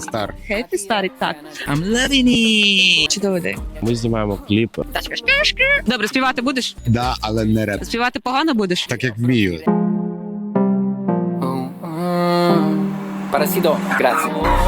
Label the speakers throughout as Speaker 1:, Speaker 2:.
Speaker 1: Стар.
Speaker 2: Хеппі старий, так.
Speaker 3: I'm loving it!
Speaker 2: Чудовий день.
Speaker 4: Ми знімаємо кліп.
Speaker 2: Добре, співати будеш?
Speaker 1: Да, але не реп.
Speaker 2: Співати погано будеш?
Speaker 1: Так як вмію.
Speaker 5: Parasido, grazie.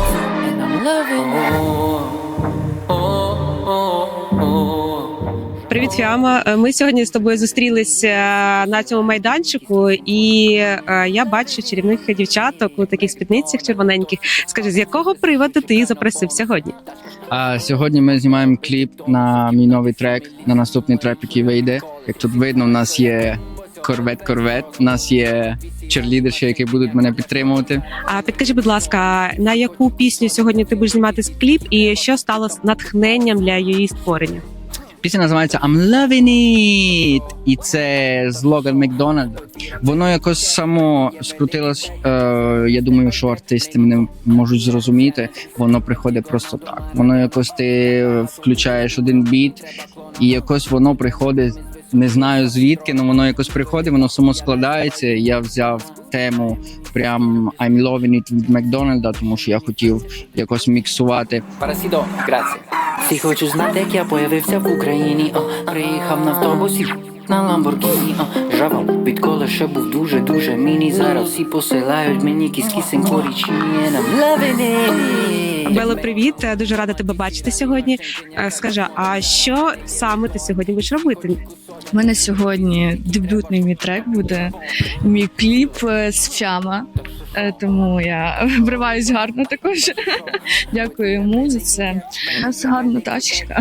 Speaker 2: Привіт, Фіама. Ми сьогодні з тобою зустрілися на цьому майданчику, і я бачу чарівних дівчаток у таких спідницях червоненьких. Скажи, з якого приводу ти їх запросив сьогодні?
Speaker 3: Сьогодні ми знімаємо кліп на мій новий трек, на наступний трек, який вийде. Як тут видно, у нас є корвет, у нас є черлідерші, які будуть мене підтримувати.
Speaker 2: А підкажи, будь ласка, на яку пісню сьогодні ти будеш знімати кліп, і що стало натхненням для її створення?
Speaker 3: Пісня називається I'm loving it, і це слоган Макдональда. Воно якось само скрутилось. Я думаю, що артисти мене можуть зрозуміти. Воно приходить просто так. Воно якось ти включаєш один біт, і якось воно приходить. Не знаю звідки, але воно якось приходить, воно само складається. Я взяв тему прям I'm loving it від Макдональда, тому що я хотів якось міксувати.
Speaker 5: Parasido, grazie. Всі хочуть знати, як я появився в Україні. Приїхав на автобусі, на Ламборгіні. Жавав, відколи ще був дуже міні. Зараз всі посилають мені кіс-кісенько річні. I'm loving it.
Speaker 2: Бело, привіт, дуже рада тебе бачити сьогодні. Скажи, а що саме ти сьогодні будеш робити?
Speaker 6: У мене сьогодні дебютний мій трек буде, мій кліп з Фіама, тому я вриваюсь гарно також. Дякую йому за це. У нас гарна тачка,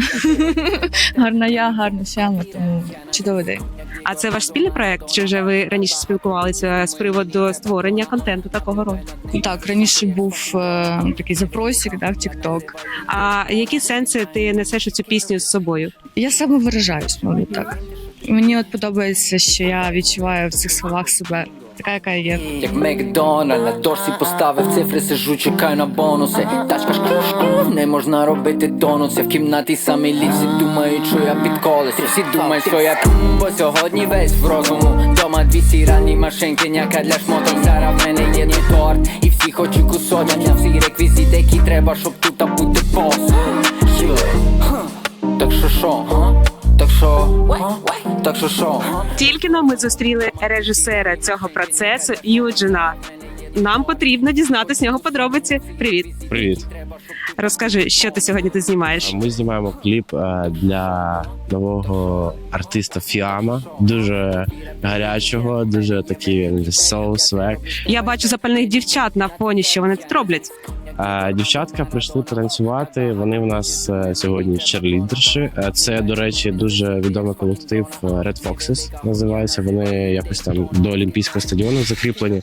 Speaker 6: гарна я, гарна Фіама, тому чудовий день.
Speaker 2: А це ваш спільний проект? Чи вже ви раніше спілкувалися з приводу створення контенту такого роду?
Speaker 6: Так, раніше був такий запросик, да, в TikTok.
Speaker 2: А які сенси ти несеш у цю пісню з собою?
Speaker 6: Я самовиражаюсь, мабуть, так. Мені от подобається, що я відчуваю в цих словах себе така, яка я є.
Speaker 5: Як Макдональд, на дошці поставив цифри, сиджу, чекаю на бонуси. Тачка шкру, не можна робити донуси. В кімнаті самі ліпсі думають, що я під колесі. Всі думають, що я бо сьогодні весь в розуму. Дома дві сіральні машинки, няка для шмоток. Зараз в мене є не торт, і всі хочуть кусочок. Всі реквізити, які треба, щоб тут бути бос. Так що шо? Так що?
Speaker 2: Тільки но ми зустріли режисера цього процесу Юджина. Нам потрібно дізнатися з нього подробиці. Привіт.
Speaker 4: Привіт.
Speaker 2: Розкажи, що ти сьогодні тут знімаєш?
Speaker 4: Ми знімаємо кліп для нового артиста Фіама. Дуже гарячого, дуже такий soul swag.
Speaker 2: Я бачу запальних дівчат на фоні, що вони тут роблять.
Speaker 4: Дівчатка прийшли танцювати. Вони в нас сьогодні черлідерші. Це, до речі, дуже відомий колектив Red Foxes називається. Вони якось там до Олімпійського стадіону закріплені.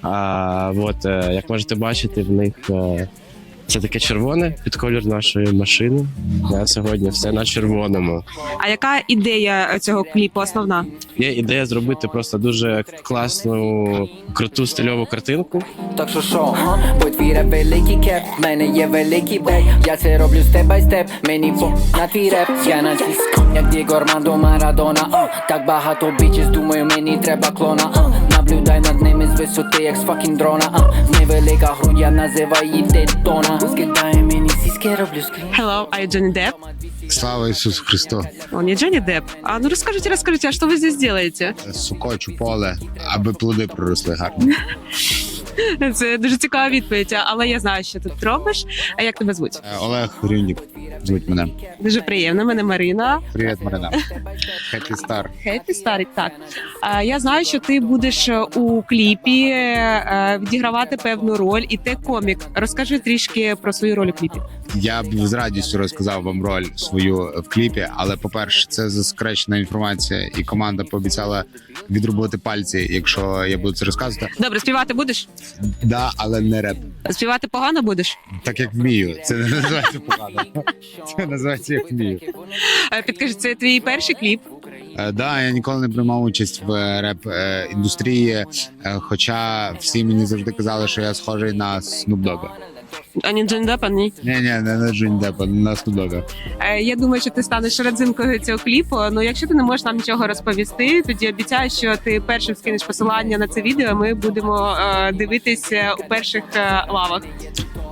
Speaker 4: Як можете бачити, в них це таке червоне під колір нашої машини. Сьогодні все на червоному.
Speaker 2: А яка ідея цього кліпу основна?
Speaker 4: Є ідея зробити просто дуже класну, круту стильову картинку.
Speaker 5: Так що? Бо твій реп великий кеп, в мене є великий бек. Я це роблю степ бай степ, мені на твій реп. Я на тіск, як Дієго Армандо Марадона. Так багато бічес, думаю, мені треба клона. Наблюдай над ними з висоти, як з факін дрона. Невелика грудь, я називаю її детона. Скидає мені сіськи, роблю скрін.
Speaker 2: Hello, are you Johnny Depp?
Speaker 1: Слава Ісусу Христу.
Speaker 2: Он не Джонни Депп. А ну расскажите, а что вы здесь делаете?
Speaker 1: Сукочу поле, аби плоди проросли гарно.
Speaker 2: Це дуже цікава відповідь, але я знаю, що ти тут робиш. А як тебе звуть?
Speaker 1: Олег Рюнік звуть мене.
Speaker 2: Дуже приємно, мене Марина.
Speaker 1: Привіт, Марина. Хеппі Стар.
Speaker 2: Хеппі старий, так. Я знаю, що ти будеш у кліпі відігравати певну роль, і ти комік. Розкажи трішки про свою роль у кліпі.
Speaker 1: Я б з радістю розказав вам роль свою в кліпі, але, по-перше, це засекречена інформація, і команда пообіцяла відрубувати пальці, якщо я буду це розказувати.
Speaker 2: Добре, співати будеш?
Speaker 1: Да, але не реп.
Speaker 2: Співати погано будеш?
Speaker 1: Так як вмію. Це не називається погано. Це називається як вмію.
Speaker 2: Підкажи, це твій перший кліп?
Speaker 1: Да, я ніколи не приймав участь в реп-індустрії, хоча всі мені завжди казали, що я схожий на Snoop Dogg.
Speaker 2: А не Джонні Деппа, ні?
Speaker 1: Ні, не на Джонні Деппа, на Snoop Dogg.
Speaker 2: Я думаю, що ти станеш родзинкою цього кліпу. Ну, якщо ти не можеш нам нічого розповісти, тоді обіцяю, що ти першим скинеш посилання на це відео. Ми будемо дивитися у перших лавах.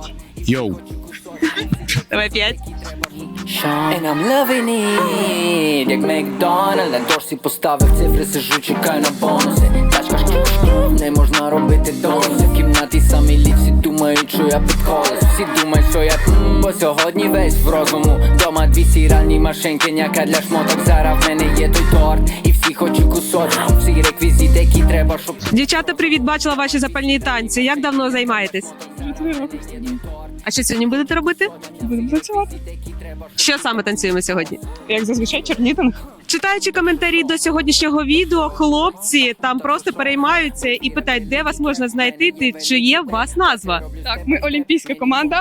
Speaker 1: Йоу.
Speaker 2: Давай 5.
Speaker 5: And I'm loving it, як Макдональд. На дошці поставив цифри, сижу, чекаю на бонуси. Тачка шкру, не можна робити донуси. В кімнаті самі ліпсі думають, що я під колес. Всі думають, що я бо сьогодні весь в розуму. Дома 2 стиральні машинки, няка для шмоток. Зараз в мене є той торт, і всі хочуть кусочок. Всі реквізити, які треба, щоб...
Speaker 2: Дівчата, привіт, бачила ваші запальні танці. Як давно займаєтесь?
Speaker 6: 3 роки.
Speaker 2: А що сьогодні будете робити?
Speaker 6: Будемо працювати.
Speaker 2: Що саме танцюємо сьогодні?
Speaker 6: Як зазвичай, черлідинг.
Speaker 2: Читаючи коментарі до сьогоднішнього відео, хлопці там просто переймаються і питають, де вас можна знайти, чи є у вас назва.
Speaker 6: Так, ми олімпійська команда.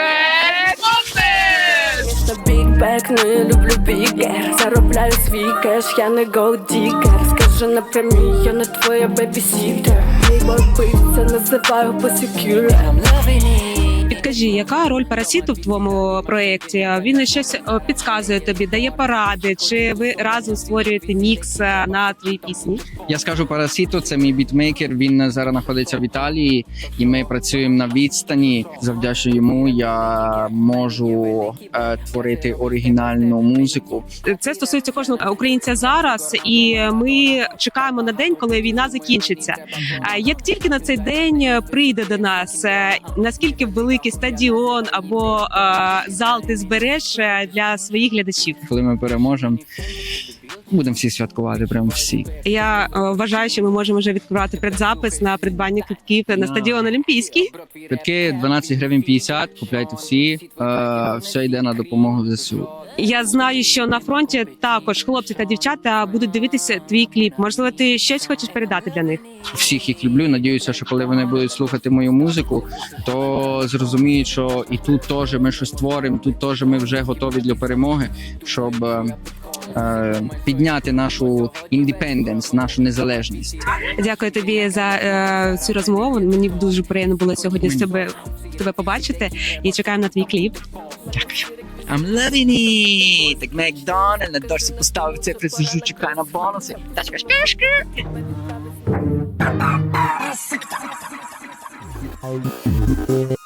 Speaker 7: Big back, не люблю бігер. Заробляю свій кеш, я не голдікер. Скажи напрямі, я не твоя бебісітер. Мій вбивця, називаю посікюлер.
Speaker 5: I'm loving it.
Speaker 2: Підкажи, яка роль Парасіту в твоєму проєкті? Він щось підказує тобі, дає поради, чи ви разом створюєте мікс на твої пісні?
Speaker 3: Я скажу Парасіто, це мій бітмейкер. Він зараз знаходиться в Італії, і ми працюємо на відстані. Завдячуючи йому я можу творити оригінальну музику.
Speaker 2: Це стосується кожного українця зараз, і ми чекаємо на день, коли війна закінчиться. Як тільки на цей день прийде до нас, наскільки великий стадіон або зал ти збереш для своїх глядачів?
Speaker 3: Коли ми переможемо, будемо всі святкувати, прямо всі.
Speaker 2: Я вважаю, що ми можемо вже відкривати предзапис на придбання квитків на стадіон Олімпійський.
Speaker 3: Квитки 12 гривень 50, купляйте всі, все йде на допомогу ЗСУ.
Speaker 2: Я знаю, що на фронті також хлопці та дівчата будуть дивитися твій кліп. Можливо, ти щось хочеш передати для них?
Speaker 3: Всіх їх люблю. Надіюся, що коли вони будуть слухати мою музику, то зрозуміють, що і тут теж ми щось творимо, тут теж ми вже готові для перемоги, щоб підняти нашу індепенденс, нашу незалежність.
Speaker 2: Дякую тобі за цю розмову. Мені дуже приємно було сьогодні тебе побачити і чекаємо на твій кліп.
Speaker 3: I'm loving it! Так Макдональд, на дошці поставив цифри, сижу, чекаю на бонуси. Тачка шкр-шкр.